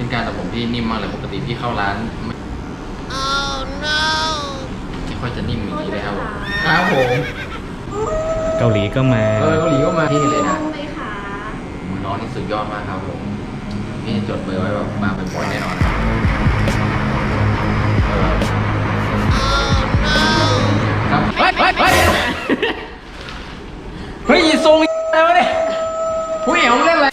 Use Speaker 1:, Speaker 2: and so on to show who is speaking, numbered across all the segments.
Speaker 1: เป็นการตัดผมที่นิ่มมากเลยปกติพี่เข้าร้านไม่ค่อยจะนิ่มอย่างนี้เลยครับผมครับผม
Speaker 2: เกาหลีก็มา
Speaker 1: เกาหลีก็มาที่นี่เลยนะน้องนี่สุดยอดมากครับผมพี่จดเบอร์ไว้แบบมาเป็นบ่อยแน่นอนครับเฮ้ยทรงอะไรวะเนี่ยผู้เอ๋วเล่นอะไร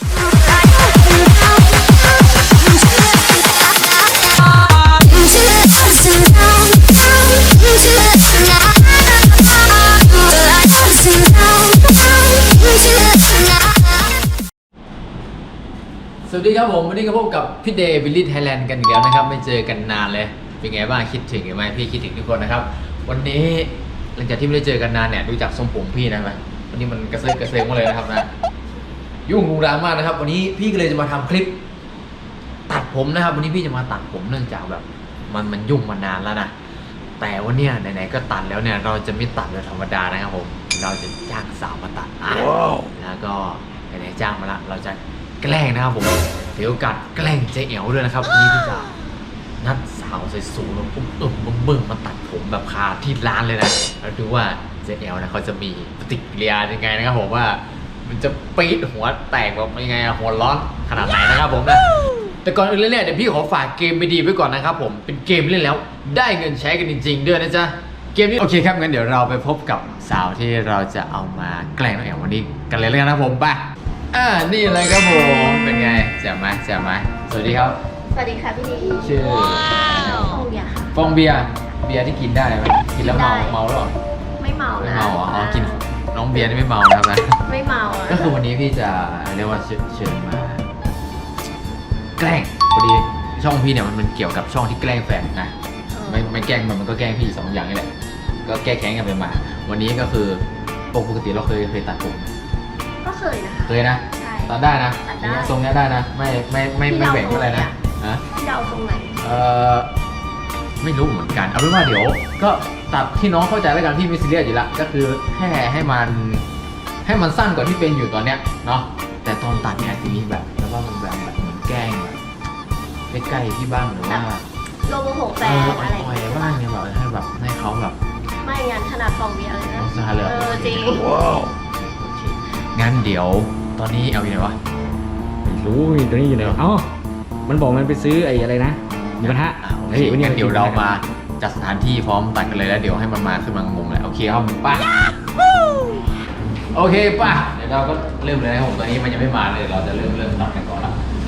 Speaker 1: สวัสดีครับผมวันนี้ก็พบกับพี่เดย์วิลลี่ไทยแลนด์กันอีกแล้วนะครับไม่เจอกันนานเลยเป็นไงบ้างคิดถึงไหมพี่คิดถึงทุกคนนะครับวันนี้หลังจากที่ไม่ได้เจอกันนานเนี่ยดูจากทรงผมพี่นะไหมวันนี้มันกระเซิงมาเลยนะครับนะยุ่งรุงรังมากนะครับวันนี้พี่ก็เลยจะมาทำคลิปตัดผมนะครับวันนี้พี่จะมาตัดผมเนื่องจากแบบมันยุ่งมานานแล้วนะแต่วันนี้ไหนๆก็ตัดแล้วเนี่ยเราจะไม่ตัดแบบธรรมดานะครับผมเราจะจ้างสาวมาตัดแล้วก็ไหนๆจ้างมาละเราจะแกล้งนะครับผมเดี๋ยวกัดแกล้งเจ๊เอ๋วด้วยนะครับนี่พี่จะนัดสาวสูงๆแล้วบึ้งมาตัดผมแบบคาที่ร้านเลยนะแล้วดูว่าเจ๊เอ๋วนะเขาจะมีปฏิกิริยายังไงนะครับผมว่ามันจะปี๊ดหัวแตกแบบยังไงหัวร้อนขนาดไหนนะครับผมนะแต่ก่อนอื่นเลยเนี่ยเดี๋ยวพี่ขอฝากเกมไปดีไว้ก่อนนะครับผมเป็นเกมเล่นแล้วได้เงินใช้กันจริงๆด้วยนะจ๊ะเกมนี้โอเคครับงั้นเดี๋ยวเราไปพบกับสาวที่เราจะเอามาแกล้งน้องเอ๋ววันนี้กันเลยนะครับผมไปนี่เลยครับผมเป็นไงแจ่มไหมสวัสดีครับ
Speaker 3: สวัสดีค่ะพี่ดี
Speaker 1: ชื่อ
Speaker 3: ฟองเบียร์ค่ะ
Speaker 1: ฟองเบียร์ที่กินได้ไหมกินแล้วเมาหรอ
Speaker 3: ไม่เมานะ
Speaker 1: ไม่เมาอ๋อกินน้องเบียร์นี่ไม่เมานะครับนะ
Speaker 3: ไม่เมา
Speaker 1: ก็คือวันนี้พี่จะเรียกว่าเชิญมาแกล้งพอดีช่องพี่เนี่ยมันเกี่ยวกับช่องที่แกล้งแฟนนะไม่แกล้งมันก็แกล้งพี่สองอย่างนี่แหละก็แก้แค้นกันไปมาวันนี้ก็คือปกติเราเคยตัดผม
Speaker 3: ก็เคยนะคะ
Speaker 1: เคยนะตัดได้นะทรงนี้ได้นะไม่แบ่งอะไรนะ
Speaker 3: พี่เอาตรงไหน
Speaker 1: ไม่รู้เหมือนกันเอาเป็นว่าเดี๋ยวก็ตัดที่น้องเข้าใจแล้วกันพี่ไม่ซีเรียสอยู่ละก็คือแค่ให้มันสั้นกว่าที่เป็นอยู่ตอนเนี้ยเนาะแต่ตอนตัดเนี่ยอาจจะมีแบบแล้วว่ามันแบบเหมือนแกล้งแบบใกล้ๆที่บ้างหรือว่า
Speaker 3: โลโมโหแฟนอะไร
Speaker 1: บ้างเนี่ยแบบให้เขาแบบ
Speaker 3: ไม่งั้นขนาดฟองเบียร์เลยนะจริง
Speaker 1: งั้นเดี๋ยวตอนนี้เอาอยู่ไหนวะ
Speaker 2: ไม่รู้ตอนนี้อยู่ไหนอ๋อมันบอกมันไปซื้อไอ้อะไรนะหมูกระทะ
Speaker 1: เฮ้ยวันนี้เดี๋ยวเรามาจัดสถานที่พร้อมตัดกันเลยแล้วเดี๋ยวให้มันมาขึ้นมางงเลยโอเคครับป่ะโอเคป่ะเดี๋ยวเราก็เริ่มเลยนะครับผมตอนนี้มันยังไม่มาเลยเราจะเริ่มตัดกันก่อนละ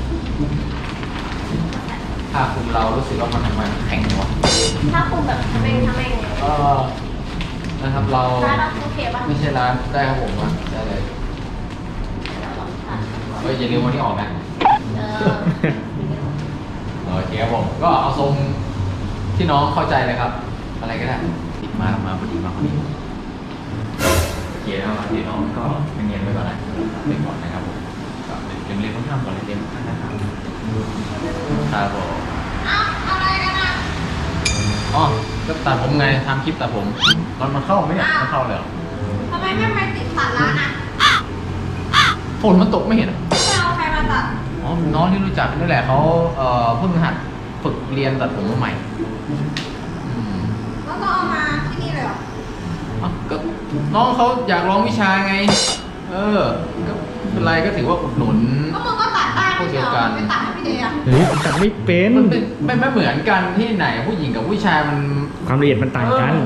Speaker 1: ถ้าคุณเรารู้สึกว่ามันทำไมแข็งวะ
Speaker 3: ถ้าคุณแบบทำเอง
Speaker 1: นะครับเรา
Speaker 3: โอเคป่ะ
Speaker 1: ไม่ใช่ร้านได้ครับผมมาได้เลยอย่าลืมวันที่ออกนะโอเคครับผมก็เอาทรงที่น้องเข้าใจเลยครับอะไรก็ได้ติดมาพอดีโอเคแล้วที่น้องก็เงียบไว้ก่อนนะไปก่อนนะครับผมก็เรียนต้องทำก่อนเรียนนะครับครับผม
Speaker 3: อะไรกันอ่ะ
Speaker 1: อ๋อก็ตัดผมไงทำคลิปตัดผมตอนมันเข้าไหมเนี่ยมันเข้าเลย
Speaker 3: ทำไมไม่ไปติดตัดร้านอ่ะ
Speaker 1: ฝนมันตกไม่เห็น
Speaker 3: ไม่เอาใครมาตัด
Speaker 1: อ๋อน้องที่รู้จักนี่แหละเขาเพิ่งหัดฝึกเรียนตัดผมใหม่
Speaker 3: แล้วก็เอามาที่นี่เลยเหรอ
Speaker 1: ก็น้องเขาอยากลองวิชาไงก็เป็นไรก็ถือว่าอุดหนุน
Speaker 3: ก็มึงก็ตัดได้
Speaker 1: ผู้เดียวกัน
Speaker 3: ไม่ตัดให้พี่เดีย
Speaker 2: ตัดไม่เป็น
Speaker 1: มันไม่เหมือนกันที่ไหนผู้หญิงกับผู้ชายมัน
Speaker 2: ความละเอียดมันต่างกัน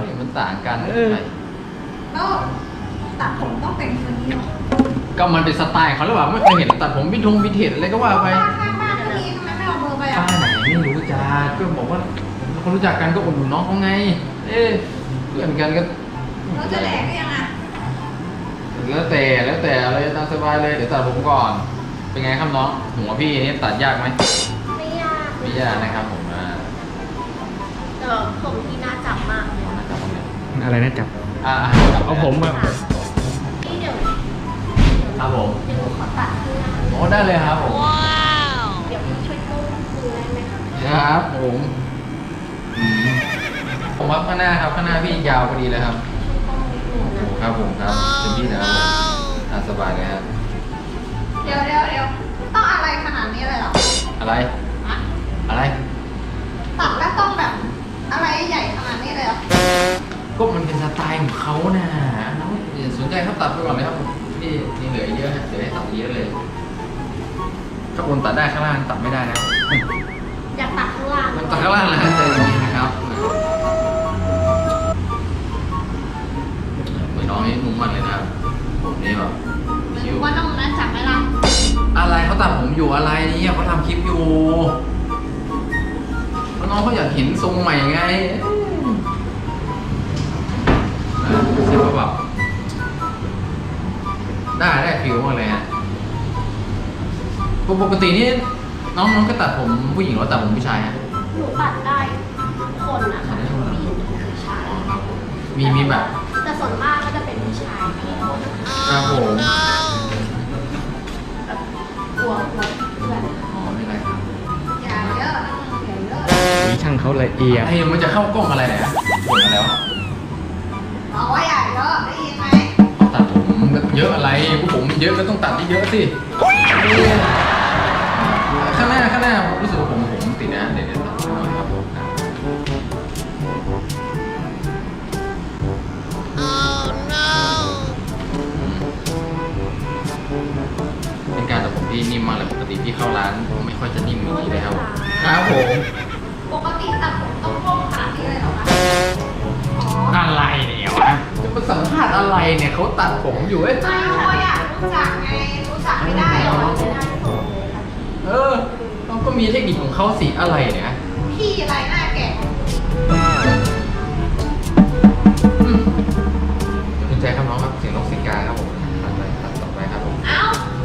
Speaker 3: แล้วตัดผมต้องเป็นคนนี้หรอ
Speaker 1: ก็มันเป็นสไตล์เขาหรือเปล่าไม่เคยเห็นตัดผมวินเทจอะไรก็ว่าไป
Speaker 3: ข้างบ้านก็มีทำไมไม่เอาเบอร์ไปอ่ะ
Speaker 1: บ้านไหนไม่รู้จักก็บอกว่าเขารู้จักกันก็อุดหนุนน้องเขาไงเพื่อนกันก็
Speaker 3: เราจะแหลกได้ยังไง
Speaker 1: แล้วแต่อะไรตามสบายเลยเดี๋ยวตัดผมก่อนเป็นไงครับน้องหัวพี่นี่ตัดยากไหม
Speaker 3: ไม่ยาก
Speaker 1: นะครับผม
Speaker 3: ผมที่น่าจับมากเลย
Speaker 2: อะไรน่าจับเอาผมมา
Speaker 3: พี่เดี๋ยว
Speaker 1: ครับผม
Speaker 3: เดี๋ยวขอตัดขึ้นนะ
Speaker 1: โอ้ได้เลยครับผม
Speaker 3: เดี๋ยวพี่ช่วยกู้มือได้ไหม
Speaker 1: ครับผมครับข้างหน้าครับข้างหน้าพี่ยาวพอดีเลยครับครับผมครับเป็นพี่นะครับสบายเลยครับ
Speaker 3: เดี๋ยวต้องอะไรขนาดนี้เลยหรอ
Speaker 1: อะไรอะไร
Speaker 3: ตัดแล้วต้องแบบอะไรใหญ่ขนาดนี้เลยเหรอ
Speaker 1: ก็มันเป็นสไตล์ของเขานะน้องอย่าสนใจครับตัดไปก่อนเลยครับนี่เหลือเยอะนะเหลือให้ตัดเยอะเลยข้างบนตัดได้ข้างล่างตัดไม่ได้แล้ว
Speaker 3: อยากตัดข้างล่าง
Speaker 1: มันตัดข้างล่างนะใจเย็นนะครับเหมือนน้องนี่นุ่มมันเลยนะครับผมนี่แบบ
Speaker 3: ไม่
Speaker 1: คิ้ว
Speaker 3: รู้ว่าน้องนั้นจับไหมล่ะ
Speaker 1: อะไรเขาตัดผมอยู่อะไรเนี่ยเขาทำคลิปอยู่แล้วน้องเขาอยากเห็นทรงใหม่ไงรู้สึกว่าแบบได้ฟิลมากเลยฮะปกตินี่น้องก็ตัดผมผู้หญิงหรือตัดผมผู้ชายฮะ
Speaker 3: หนูตัดได้ทุกคนนะคะทั้งผู้หญิงทั้งผู้ชาย
Speaker 1: มีแบบ
Speaker 3: แต่ส่วนมากก็จะเป็นผู้ชายที่
Speaker 1: ครับผม
Speaker 3: แบบกลัวเพื่อน
Speaker 1: อ๋อไม่ไรครับ
Speaker 3: อย่าเยอะนะอย่าเยอะ
Speaker 2: มีช่างเขาละเอียด
Speaker 1: ไอ้มันจะเข้ากล้องอะไรเนี่ยบ่นมาแล้ว
Speaker 3: บอกว่าอย่าเยอะได้ยินไหม
Speaker 1: ตัดผมเยอะอะไรพวกผมมันเยอะก็ต้องตัดเยอะๆสิข้างหน้าผมรู้สึกว่าผมติดนะเดี๋ยวตัดหน่อยครับเป็นการตัดผมที่นิ่มมากเลยปกติที่เข้าร้านไม่ค่อยจะนิ่มอย่างนี้เลยครับครับผม
Speaker 3: ปกติตัดผมต้องโค้งขนาดนี้เลยเหรอคะอ๋อ
Speaker 1: อะไรเนี่ยวะจะมาสัมภาษณ์อะไรเนี่ยเขาตัดผมอยู่เอ้ย
Speaker 3: ไม่เพราะอยากรู้จักไงรู้จักไม่ได้หรอไม่ได้ส่งเลยค่ะ
Speaker 1: เขาก็มีเทคนิคของเขาสิอะไรเนี่ย
Speaker 3: พี่อะไรหน้าแก่
Speaker 1: สนใจครับน้องครับเสียงนกเสียงกาครับผมตัดไปตัดต่อไปครับผม
Speaker 3: เอ้า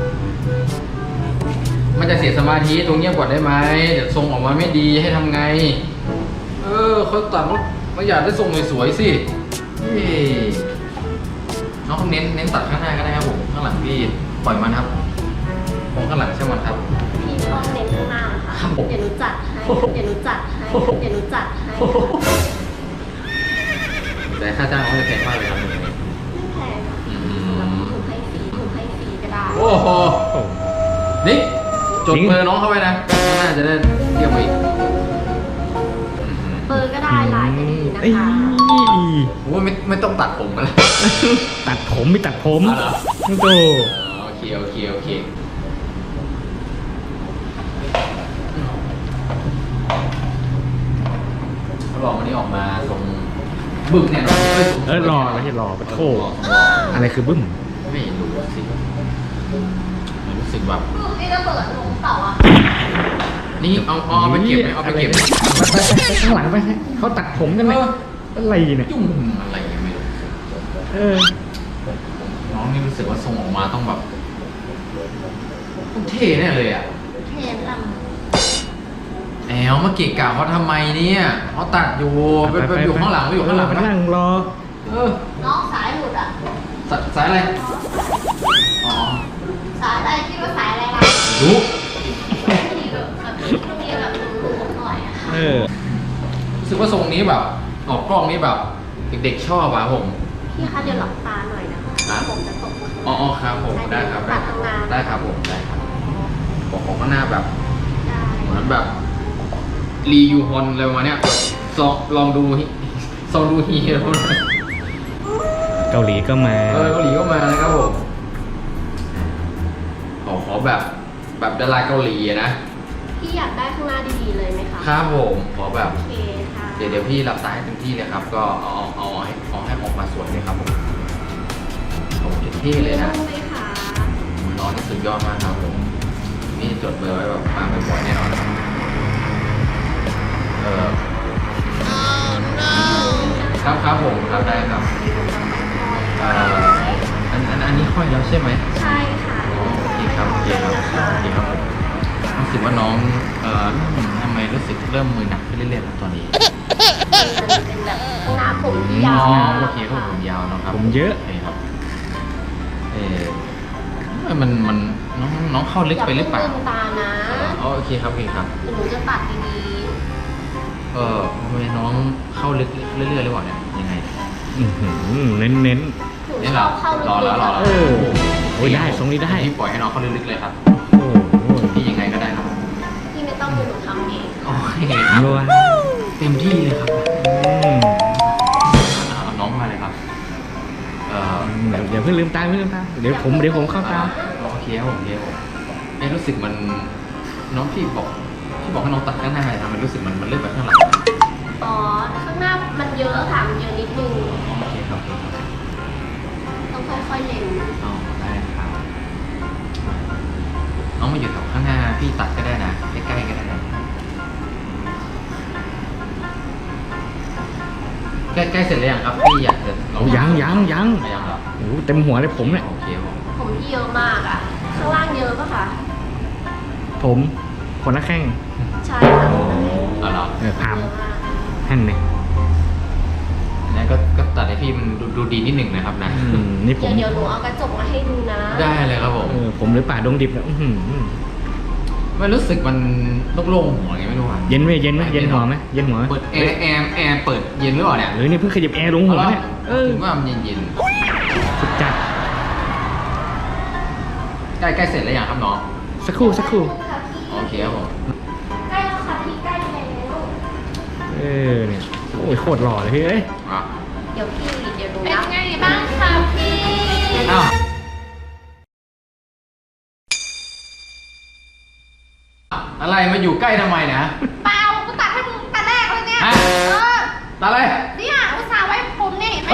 Speaker 1: มันจะเสียสมาธิตรงเงียบกว่าได้ไหมเดี๋ยวทรงออกมาไม่ดีให้ทำไงเขาตัดเขาอยากได้ทรงสวยๆสิเฮ้ยน้องเน้นตัดข้างหน้าก็ได้ครับผมข้างหลังพี่ปล่อยมันครับมองข้างหลังใช่มันครับ
Speaker 3: พี่ต้องเน้นข้างหน้าค่ะ
Speaker 1: ครับผม
Speaker 3: เดี๋ยวหนูจัดให้เดี๋ยวหนูจัดให้เดี๋ยวหนูจัดให้
Speaker 1: แต่ค่าจ้างเขาจะแพงมากเลยครับ
Speaker 3: ไม่แพงค่ะแล้วหนูให้ฟรีก็ได้
Speaker 1: โอ้โหนี่จดเบอร์น้องเข้าไปนะน่าจะได้เที่ยวไปอีก
Speaker 3: เบอร์ก็ได้ไลน์ก็ดีนะ
Speaker 2: เอ้ย
Speaker 3: คะ
Speaker 1: โอ้ยไม่ต้องตัดผมกันแล้ว
Speaker 2: ตัดผมไม่ตัดผม
Speaker 1: อ๋อเหรอ
Speaker 2: โต
Speaker 1: โอเคเขาบอกวันนี้ออกมาตรงบึ้มเนี่ยเนาะ
Speaker 2: รอไม่ใช่รอปะโถอะไรคือบึ้ม
Speaker 1: ไม่รู้สิรู้สึกแบบ
Speaker 3: นี่ระเบิดลงเต่าอ่ะ
Speaker 1: นี่เอาไปเก็บไหมเอาไปเก็บไหม
Speaker 2: ไปข้างหลังไปเขาตัดผมกันเลยอะไรเนี่ย
Speaker 1: ยุ่งอะไรยังไม่รู้ น้องนี่รู้สึกว่าทรงออกมาต้องแบบต้องเท่แน่เลยอ่ะ
Speaker 3: เทนล
Speaker 1: แอลมาเกะกะเขาทำไมเนี่ยเขาตัดอยู่ไปอยู่ข้างหลังไปอยู่ข้างหลัง
Speaker 2: ไป
Speaker 1: นะ
Speaker 2: นั่งรอ
Speaker 3: น้องสายหลุดอ่ะ
Speaker 1: สายอะไรอ๋อ
Speaker 3: สายอะไรคิดว่าสายอะไรล่ะ
Speaker 1: รู้
Speaker 3: มีแบบหลุดหน่อยอ่ะ
Speaker 1: รู้สึกว่าทรงนี้แบบออกกล้องนี้แบบเด็กๆชอบอ่ะผม
Speaker 3: พี่คะเดี๋ยวหลับตาหน่อยนะคะผมจะตก
Speaker 1: อ๋อครับผมได้ครับ
Speaker 3: ตัดทำงาน
Speaker 1: ได้ครับผมได้ครับบอกของข้างหน้าแบบ
Speaker 3: ได้
Speaker 1: เหมือนแบบรียูฮอนอะไรประมาณเนี้ยลองดูฮีโร่
Speaker 2: เกาหลีก็มา
Speaker 1: เกาหลีก็มานะครับผมขอแบบดาราเกาหลีอะนะ
Speaker 3: พี่อยากได้ข้างหน้าดีๆเลยไหมคะ
Speaker 1: ครับผมขอแบบ
Speaker 3: โอเคค่ะ
Speaker 1: เดี๋ยวพี่รับสายให้เต็มที่เลยครับ ก็เอาให้ออกมาสวยเลยครับผมผมเต็มที่เลยนะ
Speaker 3: รู้ไหมคะ
Speaker 1: น้องนี่สุดยอดมากครับผมนี่จดเบอร์ไว้แบบมาบ่อยๆแน่นอนครับผมครับได้ครับอันนี้ค่อยแล้วใช่ไหม
Speaker 3: ใช่ค่ะ
Speaker 1: อ๋อโอเคครับผมรู้สึกว่าน้องทำไมรู้สึกเริ่มมือหนักขึ้นเรื่อยๆแล้วตอนนี้
Speaker 3: เป็นแบบข้างหน้าผมที่ยาว
Speaker 1: อ๋อ
Speaker 3: นะ
Speaker 1: โอเคครับผมยาวนะครับ
Speaker 2: ผมเยอะ
Speaker 1: โอเคครับมันน้องเข้าลึกไปหรือเปล่า
Speaker 3: ย่าพิ่งลืมตานะ
Speaker 1: อ๋อโอเคครับครับ
Speaker 3: หนูจะตัดดี
Speaker 1: ทำไมน้องเข้าลึกเรื่อยๆหรือเปล่าเนี่ยยังไง
Speaker 2: เน้น
Speaker 3: ๆหนูชอบเข้าลึก
Speaker 1: รอ
Speaker 3: ๆ
Speaker 1: แล้ว
Speaker 3: อะ
Speaker 2: โอ้ยได้ทรงนี้ได้
Speaker 1: พี่ปล่อยให้น้องเข้าลึกๆเลยครับ
Speaker 2: โอ้โห
Speaker 1: พี่ยังไงก็ได้ครับ
Speaker 3: พี่ไม่ต้องเดี๋ยวหนูทำเอง
Speaker 1: โอเค
Speaker 2: รัว
Speaker 1: เต็มที่เลยครับ
Speaker 2: อืม
Speaker 1: เอาน้องมาเลยครับ
Speaker 2: เดี๋ยวเพิ่งลืมตาเดี๋ยวผมเข้าตาม
Speaker 1: โอเคครับผมรู้สึกมันน้องพี่บอกให้น้องตัดข้างหน้าทำมันรู้สึกมันเลื่อนไปข้างหลัง
Speaker 3: อ๋อ ข้างหน้ามันเยอะค่ะ มันเยอะนิดนึง
Speaker 1: โอเคครับ
Speaker 3: ต้องค่อยๆเล็ง
Speaker 1: อ๋อได้ครับน้องมาอยู่แถวข้างหน้าพี่ตัดก็ได้นะใกล้ๆก็ได้นะใกล้ๆเสร็จแล้วยังครับพี่อยากจะลอง
Speaker 2: ยัง
Speaker 1: ยังเหรอ
Speaker 2: โอ้โหเต็มหัวเลยผมเนี่ย
Speaker 1: โอเคผม
Speaker 3: ผมที่เยอะมากอ่ะ ข้างล่างเยอะปะคะ
Speaker 2: ผมคนละแข้ง
Speaker 3: ใช่ค่ะ
Speaker 1: เอาเหรอ
Speaker 2: พาม
Speaker 3: เยอะมาก
Speaker 2: แห่นเนี่ย
Speaker 1: นั่นก็ตัดให้พี่มันดูดีนิดหนึ่งนะครับนะ
Speaker 2: นี่ผม
Speaker 3: เดี๋ยวหนูเอากระจกมาให้ดูนะ
Speaker 1: ได้เลยครับผม
Speaker 2: ผมหรือป่าดงดิบเนี่ยอื้อหือ
Speaker 1: มันรู้สึกมันโล่งๆหัวไงไม่รู้อ่ะ
Speaker 2: เย็นไหมเย็นหัวไหมเย็นหัว
Speaker 1: เปิดแอร์เปิดเย็นหรือเปล่าเนี่ย
Speaker 2: หรือนี่เพิ่งขยับแอร์ลงหัวเนี่ย
Speaker 1: ถึงว่ามันเย็น
Speaker 2: สุดจัด
Speaker 1: ๆใกล้เสร็จแล้วยังครับน้อง
Speaker 2: สักครู่
Speaker 1: โอเคครับผม
Speaker 3: ใกล้แล้วค่ะพี่ใกล้แล้ว
Speaker 2: เนี่ยโอ้ยโคตรหล่อเลยพี่เอ้ย
Speaker 1: อ่ะ
Speaker 3: เดี๋ยวดูนะเป็นไงบ้างคะพี่
Speaker 1: อ้าวอะไรมาอยู่ใกล้ทำไมนะ
Speaker 3: เปล่ากูตัดให้มึงแต่แรกเลยเนี่ย
Speaker 1: ฮะ ตัดอะไร
Speaker 3: เนี่ยอุตส่าห์ไว้ผมเนี่ยเห็นไหม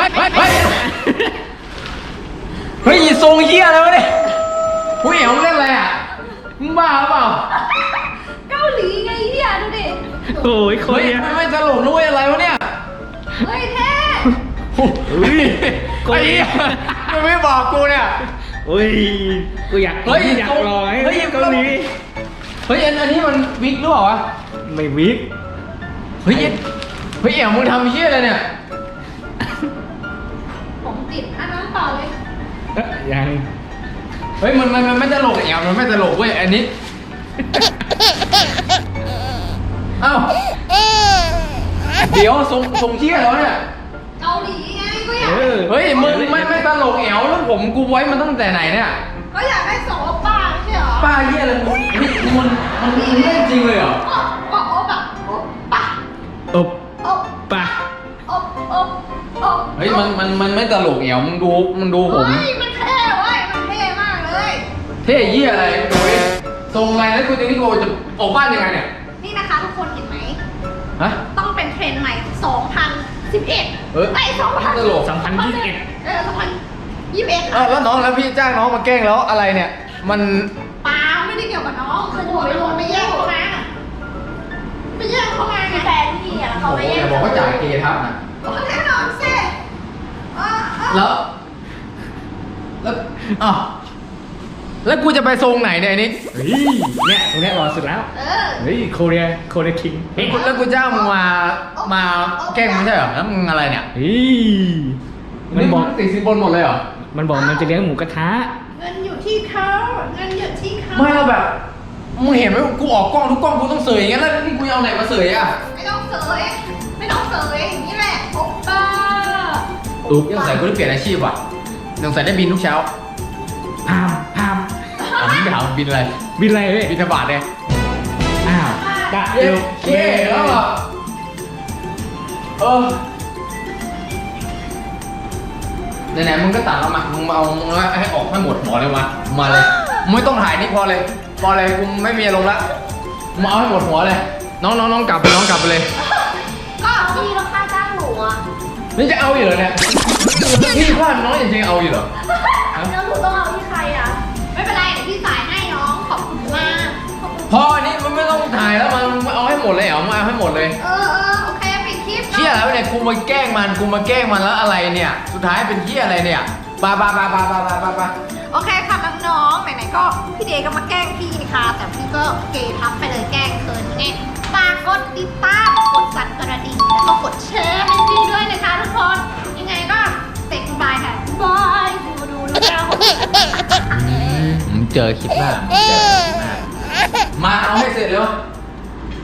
Speaker 1: เฮ้ยทรงเฮียอะไรวะเนี่ยผู้เอ๋มึงเล่นอะไรอ่ะมึงบ้าหรือเปล่า
Speaker 3: เกาหลีไงเนี่ยดูดิ
Speaker 2: โอ้ยโคตร
Speaker 1: เฮ้ย
Speaker 2: เนี่ย
Speaker 1: ไม่ตลกด้วยอะไรวะเนี่ย
Speaker 3: เฮ้ยเท่
Speaker 2: เฮ้ย
Speaker 1: ไอ้เหี้ยมันไม่บอกกูเนี่ย
Speaker 2: โอ้ยกูอยาก
Speaker 1: เฮ้ย
Speaker 2: อยากลอย
Speaker 1: เฮ้ย
Speaker 2: เกาหลี
Speaker 1: เฮ้ยอันนี้มันวิกหรือเปล่าวะ
Speaker 2: ไม่วิก
Speaker 1: เฮ้ยเอ๋มึงทำเฮี้ยอะไรเนี่ย
Speaker 3: ผมติดอันนั้นต่อเลย
Speaker 2: ยัง
Speaker 1: เฮ้ยมันไม่ตลกเอ๋มันไม่ตลกเว้ยอันนี้ เอ้าเดี๋ยวทรงเฮี้ยแล้วเนี่ย
Speaker 3: เกาหลีไงก็อยาก
Speaker 1: เฮ้ยมึงไม่ตลกเอ๋แล้วผมกูไว้มันตั้งแต่ไหนเนี่ย
Speaker 3: ก็อยากได้สองโอป้าไม่ใช่เหรอ
Speaker 1: ป้าเฮี้ยอะไรมึงมันเล่นจริงเลยเหรอ
Speaker 3: ก็โอปะโอปะ
Speaker 2: อบ
Speaker 3: โอ
Speaker 2: ปะ
Speaker 3: โอโอโอ
Speaker 1: เฮ้ยมันไม่ตลกเอ๋มึงดูผม
Speaker 3: เฮ้ยมันเท่เว้ยมันเท่มากเลย
Speaker 1: เท่เหี้ยอะไรโอ้ยทรงอะไรแล้วกูจะนี่กูจะออกบ้านยังไงเนี่ย
Speaker 3: นี่นะคะทุกคนเห็นไหม
Speaker 1: ฮะ
Speaker 3: ต้องเป็นเทรนด์ใหม่ 2011
Speaker 1: เออ
Speaker 3: ไอ้2000
Speaker 1: ตลก
Speaker 2: 2021
Speaker 3: 2021
Speaker 1: แล้วน้องแล้วพี่จ้างน้องมาแกล้งแล้วอะไรเนี่ย มัน
Speaker 3: เปล่าไม่ได้เกี่ยวกับน้องคือผมไม่แย่งเขามาไปแย่งเขามาไงแฟนพี่อะเขา
Speaker 1: โอ้
Speaker 3: ไป
Speaker 1: โห
Speaker 3: แย่
Speaker 1: อง ย่าบอกว่าจ่ายเกย์ทับนะ
Speaker 3: แน่นอนสิ
Speaker 1: แล้วอ้าวแล้วกูจะไปทรงไหนเนี่ยไอ้นี่
Speaker 2: เฮ้ยเนี่ยตรงเนี้ยหล่อสุดแล้ว
Speaker 3: เออ
Speaker 2: เฮ้ยโคเรียคิงเฮ้ย
Speaker 1: แล้วกูจ้างมึงมาแกล้งไม่ใช่เหรอแล้วมึงอะไรเนี่ย
Speaker 2: เฮ้ยมันบอก
Speaker 1: ติดสินบนหมดเลยเหรอ
Speaker 2: มันบอกมันจะเลี้ยงหมูกระทะ
Speaker 3: เงินอยู่ที่เขาเงินอยู่ที่เขา
Speaker 1: ไม่เราแบบมึงเห็นไหมกูออกกล้องทุกกล้องกูต้องเสยอย่างเงี้ยแล้วนี่กูจะเอาไหนมาเสยอ่ะ
Speaker 3: ไม่ต้องเสยไม่ต้องเสยอย่างนี้แหละโอป้า
Speaker 2: อุ๊บ
Speaker 1: ยังใส่กูได้เปลี่ยนอาชีพว่ะยังใส่ได้บินทุกเช้า
Speaker 2: พาม
Speaker 1: อ่ะมึงไปถามบินอะไร
Speaker 2: บินอะไรเว้ย
Speaker 1: บินธบาตเนี่ย
Speaker 2: อ้าวกะ
Speaker 1: เย้เย้แล้วอ่ะไหนๆมึงก็ตัดแล้วมามึงมาเอาให้ออกให้หมดหัวเลยมาเลยไม่ต้องถ่ายนี่พอเลยกูไม่มีอารมณ์ละมาเอาให้หมดหัวเลยน้องกลับไปเลย
Speaker 3: ก็พี่แล้วค่าจ้างหนูอะ
Speaker 1: นี่จะเอาอยู่เหรอเนี่ยพี่ว่าน้องจริงๆเอาอยู่เหรอ
Speaker 3: แล้วหนูต้องเอาที่ใครอะไม่เป็นไรเดี๋ยวพี่จ่ายให้น้องขอบคุณมากขอบคุณ
Speaker 1: พออันนี้มันไม่ต้องถ่ายแล้วมันเอาให้หมดเลยเหรอมาเอาให้หมดเลย
Speaker 3: โอเคปิดคลิป
Speaker 1: เชี่ยแล้วเนี่ยกูมาแกล้งมันแล้วอะไรเนี่ย สุดท้ายเป็นเชี่ยอะไรเนี่ยปา
Speaker 3: โอเคค่ะน้องๆไหนๆก็พี่เดย์ก็มาแกล้งพี่นะคะแต่พี่ก็เกทับไปเลยแกล้งเคินไงฝากกดติดตามกดสั่นกระดิ่งแล้วก็กดแชร์ให้พี่ด้วยนะคะทุกคนยังไงก็เซ็กบายค่ะบายดูแล้ว
Speaker 1: มึงเจอคลิปหน้ามาเอาให้เสร็จเร็ว